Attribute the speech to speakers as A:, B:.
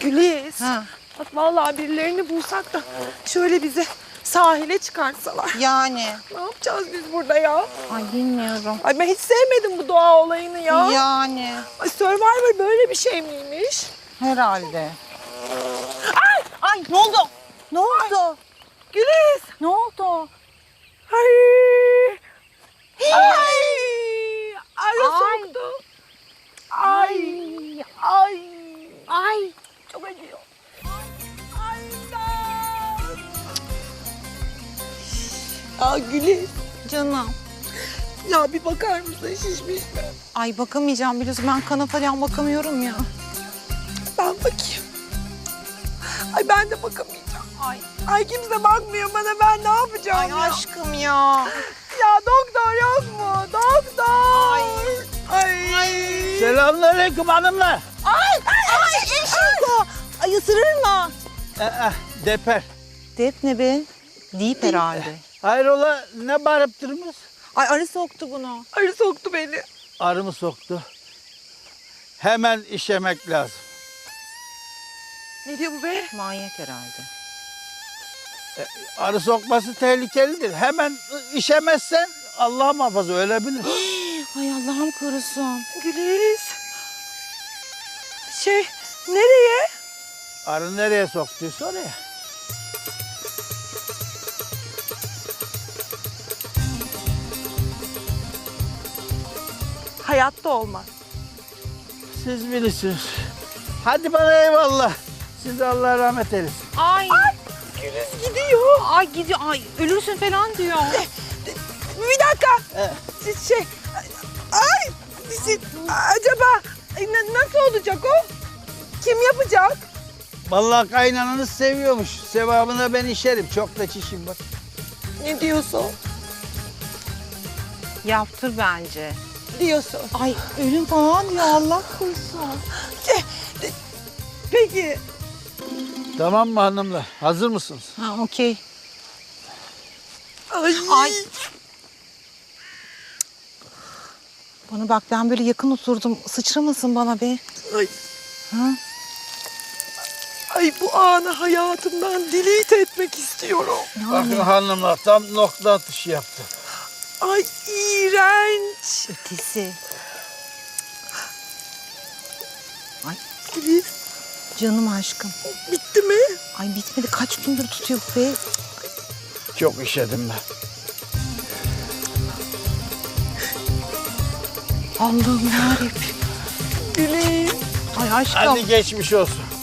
A: Güliz.
B: Ha.
A: Bak vallahi birilerini bulsak da şöyle bizi sahile çıkartsalar.
B: Yani.
A: Ne yapacağız biz burada ya?
B: Ay bilmiyorum.
A: Ay ben hiç sevmedim bu doğa olayını ya.
B: Yani.
A: Ay Survivor böyle bir şey miymiş?
B: Herhalde. Ay ne oldu? Ne oldu?
A: Güliz.
B: Ne oldu?
A: Ay. Ay. Arı
B: Ay.
A: soktu. Ay. Ay.
B: Ay.
A: Çok acıyor. Ay. İmdat. Aa Güliz.
B: Canım.
A: Ya bir bakar mısın şişmiş mi?
B: Ay bakamayacağım biliyorsun ben kana falan bakamıyorum ya.
A: Ben bakayım. Ay ben de bakamayacağım. Ay kimse bakmıyor bana, ben ne yapacağım
B: Ay
A: ya?
B: aşkım ya.
A: Ya doktor yok mu? Doktor. Ay.
C: Selamünaleyküm hanımlar.
B: Ay eşiko. Ay ısırır mı?
C: Deper.
B: Dep ne be? Deyip herhalde.
C: Hayrola ne bağırıp durmuş?
B: Ay arı soktu bunu.
A: Arı soktu beni.
C: Arı mı soktu? Hemen işemek lazım.
A: Ne diyor bu be?
B: Manyak herhalde.
C: Arı sokması tehlikelidir. Hemen işemezsen Allah muhafaza ölebilir.
B: Ay Allah'ım korusun.
A: Güliz. Nereye?
C: Arı nereye soktuysa oraya.
A: Hayatta olmaz.
C: Siz bilirsiniz. Hadi bana eyvallah. Size Allah rahmet eylesin.
B: Ay.
A: Güliz gidiyor.
B: Ay gidiyor. Ay ölürsün falan diyor.
A: Bir dakika. Siz Ay. Siz, acaba nasıl olacak o? Kim yapacak?
C: Vallahi kaynananız seviyormuş. Sevabına ben işerim. Çok da çişim var.
A: Ne diyorsun?
B: Yaptır bence.
A: Diyorsun.
B: Ay ölüm falan diyor Allah korusun.
A: Peki.
C: Tamam mı hanımlar? Hazır mısınız?
B: Ha okey.
A: Ay.
B: Ay. Bana bak ben böyle yakın oturdum. Sıçramasın bana be.
A: Ay.
B: Ha?
A: Ay bu anı hayatımdan delete etmek istiyorum.
C: Bakın hanımlar tam nokta atışı yaptı.
A: Ay iğrenç.
B: Ötesi. Ay
A: Güliz
B: canım aşkım.
A: bitti mi?
B: Ay bitmedi kaç gündür tutuyor be.
C: Çok işedim ben.
B: Allah'ım yarabbim.
A: Güliz.
B: Ay aşkım.
C: Hadi geçmiş olsun.